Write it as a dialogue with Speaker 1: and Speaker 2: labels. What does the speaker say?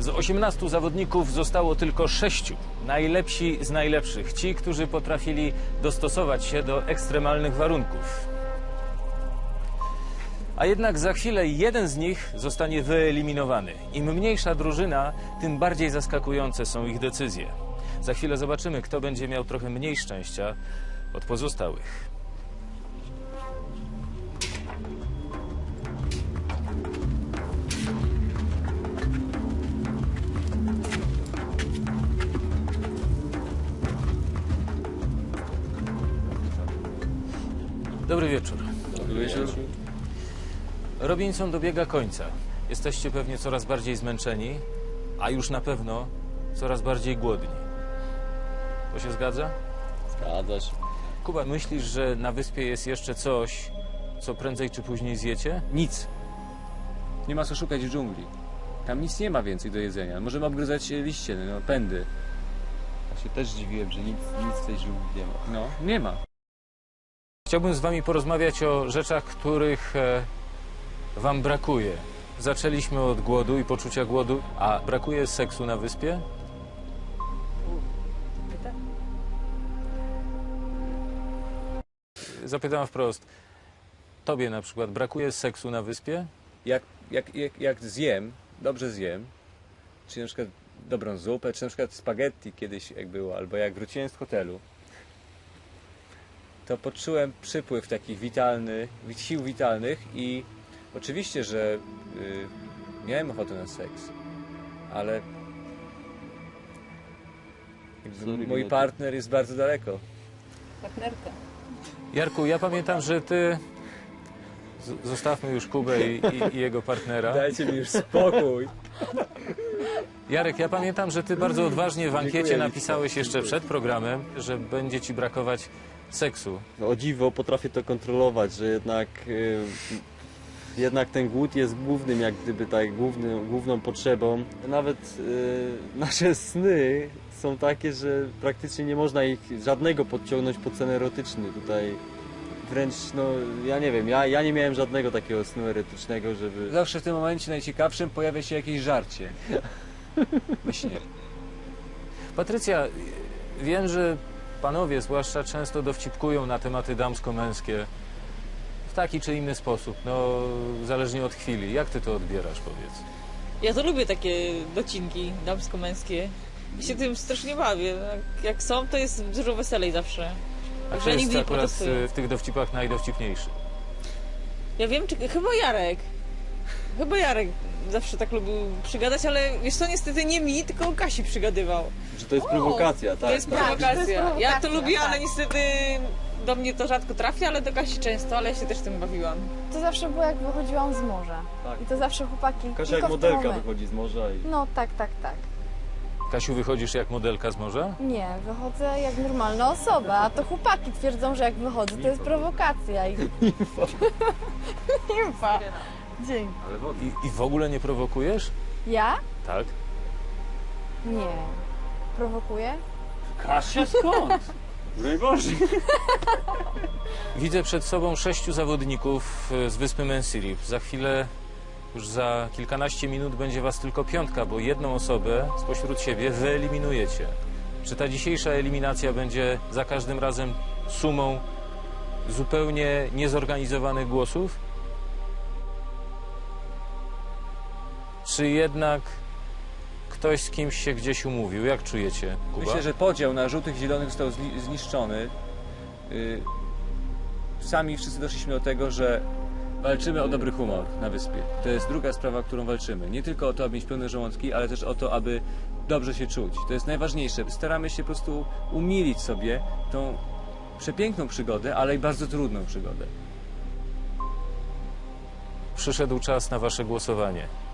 Speaker 1: Z 18 zawodników zostało tylko 6. Najlepsi z najlepszych. Ci, którzy potrafili dostosować się do ekstremalnych warunków. A jednak za chwilę jeden z nich zostanie wyeliminowany. Im mniejsza drużyna, tym bardziej zaskakujące są ich decyzje. Za chwilę zobaczymy, kto będzie miał trochę mniej szczęścia od pozostałych. Dobry wieczór.
Speaker 2: Dobry wieczór.
Speaker 1: Robinson dobiega końca. Jesteście pewnie coraz bardziej zmęczeni, a już na pewno coraz bardziej głodni. To się zgadza?
Speaker 2: Zgadza się.
Speaker 1: Kuba, myślisz, że na wyspie jest jeszcze coś, co prędzej czy później zjecie?
Speaker 2: Nic. Nie ma co szukać w dżungli. Tam nic nie ma więcej do jedzenia. Możemy obgryzać liście, no, pędy.
Speaker 3: Ja się też dziwiłem, że nic w tej dżungli nie ma.
Speaker 2: No, nie ma.
Speaker 1: Chciałbym z wami porozmawiać o rzeczach, których wam brakuje. Zaczęliśmy od głodu i poczucia głodu, a brakuje seksu na wyspie? Zapytam wprost. Tobie na przykład brakuje seksu na wyspie?
Speaker 2: Jak zjem, dobrze zjem, czy na przykład dobrą zupę, czy na przykład spaghetti kiedyś jak było, albo jak wróciłem z hotelu, to poczułem przypływ takich sił witalnych i oczywiście, że miałem ochotę na seks, ale mój partner jest bardzo daleko.
Speaker 4: Partnerka.
Speaker 1: Jarku, ja pamiętam, że ty... Zostawmy już Kubę i jego partnera.
Speaker 2: Dajcie mi już spokój.
Speaker 1: Jarek, ja pamiętam, że ty bardzo odważnie w ankiecie
Speaker 3: Dziękuję.
Speaker 1: napisałeś jeszcze przed programem, że będzie ci brakować seksu.
Speaker 3: No, o dziwo potrafię to kontrolować, że jednak ten głód jest głównym, jak gdyby tak, główną potrzebą. Nawet nasze sny są takie, że praktycznie nie można ich żadnego podciągnąć pod sen erotyczny. Tutaj wręcz, no ja nie wiem, ja nie miałem żadnego takiego snu erotycznego, żeby...
Speaker 2: Zawsze w tym momencie najciekawszym pojawia się jakieś żarcie. We śnie.
Speaker 1: Patrycja, wiem, że panowie zwłaszcza często dowcipkują na tematy damsko-męskie w taki czy inny sposób, no zależnie od chwili. Jak ty to odbierasz, powiedz?
Speaker 4: Ja to lubię takie docinki damsko-męskie. Ja się tym strasznie bawię. Jak są, to jest dużo weselej zawsze.
Speaker 1: A
Speaker 4: Że
Speaker 1: kto jest
Speaker 4: nigdy nie
Speaker 1: akurat
Speaker 4: protestuję.
Speaker 1: w tych dowcipach najdowcipniejszy?
Speaker 4: Ja wiem, chyba Jarek. Chyba Jarek zawsze tak lubił przygadać, ale wiesz co, niestety nie mi, tylko Kasi przygadywał.
Speaker 3: Że to jest prowokacja, tak?
Speaker 4: To jest
Speaker 5: Tak, to jest
Speaker 4: prowokacja. Ja to
Speaker 5: prowokacja,
Speaker 4: lubię, ale
Speaker 5: tak.
Speaker 4: niestety do mnie to rzadko trafia, ale do Kasi często, ale ja się też tym bawiłam.
Speaker 5: To zawsze było, jak wychodziłam z morza.
Speaker 3: Tak.
Speaker 5: I to zawsze chłopaki.
Speaker 3: Kasia
Speaker 5: tylko
Speaker 3: jak
Speaker 5: w tym
Speaker 3: modelka
Speaker 5: momencie.
Speaker 3: wychodzi z morza i...
Speaker 5: No tak.
Speaker 1: Kasiu, wychodzisz jak modelka z morza?
Speaker 5: Nie, wychodzę jak normalna osoba, a to chłopaki twierdzą, że jak wychodzę, to jest prowokacja. Nimfa. Dzięki.
Speaker 1: I w ogóle nie prowokujesz?
Speaker 5: Ja?
Speaker 1: Tak.
Speaker 5: Nie. Prowokuję?
Speaker 2: Kasia skąd? Broń Boże.
Speaker 1: Widzę przed sobą 6 zawodników z wyspy Mensirip. Za chwilę, już za kilkanaście minut będzie was tylko 5, bo jedną osobę spośród siebie wyeliminujecie. Czy ta dzisiejsza eliminacja będzie za każdym razem sumą zupełnie niezorganizowanych głosów? Czy jednak ktoś z kimś się gdzieś umówił? Jak czujecie, Kuba?
Speaker 2: Myślę, że podział na żółtych i zielonych został zniszczony. Sami wszyscy doszliśmy do tego, że walczymy o dobry humor na wyspie. To jest druga sprawa, którą walczymy. Nie tylko o to, aby mieć pełne żołądki, ale też o to, aby dobrze się czuć. To jest najważniejsze. Staramy się po prostu umilić sobie tą przepiękną przygodę, ale i bardzo trudną przygodę.
Speaker 1: Przyszedł czas na wasze głosowanie.